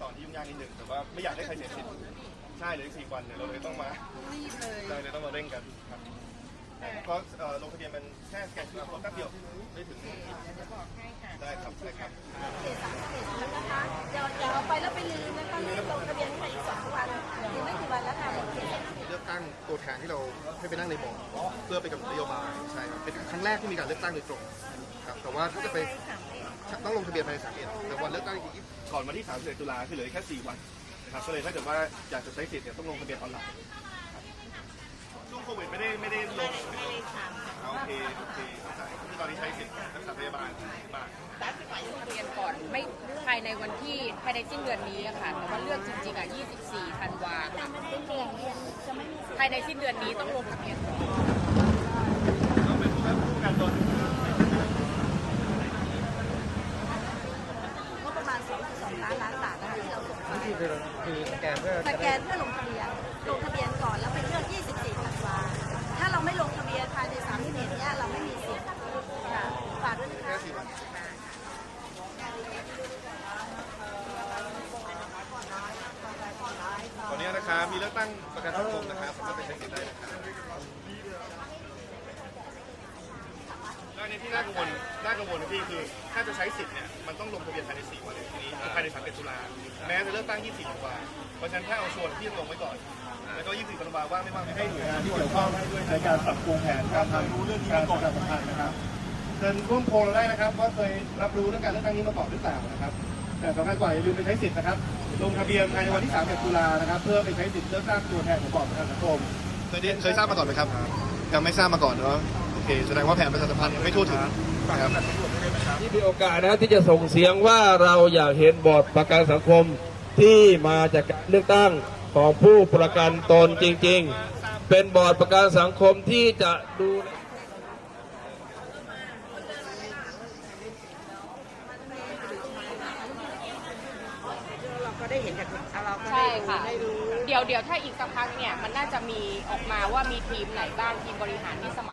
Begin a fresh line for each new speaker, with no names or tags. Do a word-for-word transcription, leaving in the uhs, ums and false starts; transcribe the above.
อนที่ยุ่งยากนิดนึงแต่ว่าไม่อยากให้ใครเสียสิทธิ์ใช่เหลืออีกสี่วันเนี่ยเราเลยต้องมารีบเลยเราเลยต้องมาเร่งกันครับเพราะลงทะเบียนมันแค่สแกน คิว อาร์ โค้ดแป๊บเดียวไม่ถึงได้ครับได้ครับ
เขตสามสิบเอ็ดแล้วนะคะอย่าอย่าเอาไปแล้วไปลืมนะคะรีบลงทะเบียนให้อีกสองวันอีกไม่กี่วันแล้วค่ะเขต
เลือกตั้งตัวแทนที่เราให้ไปนั่งในบอร์ดเพื่อไปกำหนดนโยบายใช่ครับเป็นครั้งแรกที่มีการเลือกตั้งโดยตรงครับแต่ว่าถ้าจะไปต้องลงทะเบียนภายในสามเอ็ดแต่วันเลือกตั้งจริงๆก่อนวันที่สามสิบเอ็ดตุลาคือเหลือแค่สี่วันนะครับก็เลยถ้าเกิดว่าอยากจะใช้สิทธิ์เนี่ยต้องลงทะเบียนออนไลน์ช่วงโควิดไม่ได้ไม่ได้ลงโอเคโอเคเข้าใจคือตอนนี้ใช้สิทธิ์รักษาพยาบาลบ้าง
ตัดไปลงทะเบียนก่อนไม่ภายในวันที่ภายในสิ้นเดือนนี้อะค่ะแต่ว่าเลือกจริงๆอ่ะยี่สิบสี่ธันวาค่ะภายในสิ้นเดือนนี้ต้องลงทะเบียนก่อน
ต้องเป็นผู้ผู้การตน
งบประมาณสองจุดสองล้านล้านบาทนะคะที่เราส่งไป
ที่คือคือสแกนเพื่อ
สแกนเพื่อลงทะเบียนลงทะเบียนก่อนแล้วไปเลือกยี่สิบสี่ธันวาถ้าเราไม่ลงทะเบียนภายในสามสิบเอ็ดเนี่ยเราไม่มีสิทธิ์ค่ะฝากด้วยนะคะ
ตอนนี้นะครับมีเลือกตั้งประกันสังคมนะครับสามารถไปใช้สิทธิ์ได้นะครับแล้วในที่น่ากังวลน่ากังวลนะพี่คือถ้าจะใช้สิทธิ์เนี่ยมันต้องลงทะเบียนภายในสี่วันทีนี้ภายในสามสิบเอ็ดตุลาแม้จะเลือกตั้งยี่สิบสี่ธันวาเพราะฉะนั้นถ้าเอาชวนพี่ลงไว้ก่อนแล้วก็ยี่สิบสี่ธันวาว่างไม่ว่างให้หน่วยงานที่เกี่ยวข้องในการปรับปรุงแผนการทำรู้เรื่องการประชาสัมพันธ์นะครับเชิญร่วมโพลเราได้นะครับว่าเคยรับรู้เรื่องการเลือกตั้งนี้มาก่อนหรือเปล่านะครับแต่สำคัญกว่าอย่าลืมไปใช้สิทธิ์นะครับลงทะเบียนภายในวันที่สามสิบเอ็ดตุลานะครับเพื่อไปใช้สิทธิ์เลือกตั้งตัวแทนของบอร์ดประกันสังคมเคยเคยทราบมาก่อนไหมครับยังไม่ทราบมาก่อนเนาะโอเคแสดงว่าแผนประชาสัมพันธ์ยังไม่ทั่วถึงนะครับ
ที่มีโอกาสนะที่จะส่งเสียงว่าเราอยากเห็นบอร์ดประกันสังคมที่มาจากการเลือกตั้งของผู้ประกันตนจริงๆเป็นบอร์ดประกันสังคมที่จะดู
ใช่ค่ะเดี๋ยวเดี๋ยวถ้าอีกสักพักเนี่ยมันน่าจะมีออกมาว่ามีทีมไหนบ้างทีมบริหารที่สมัคร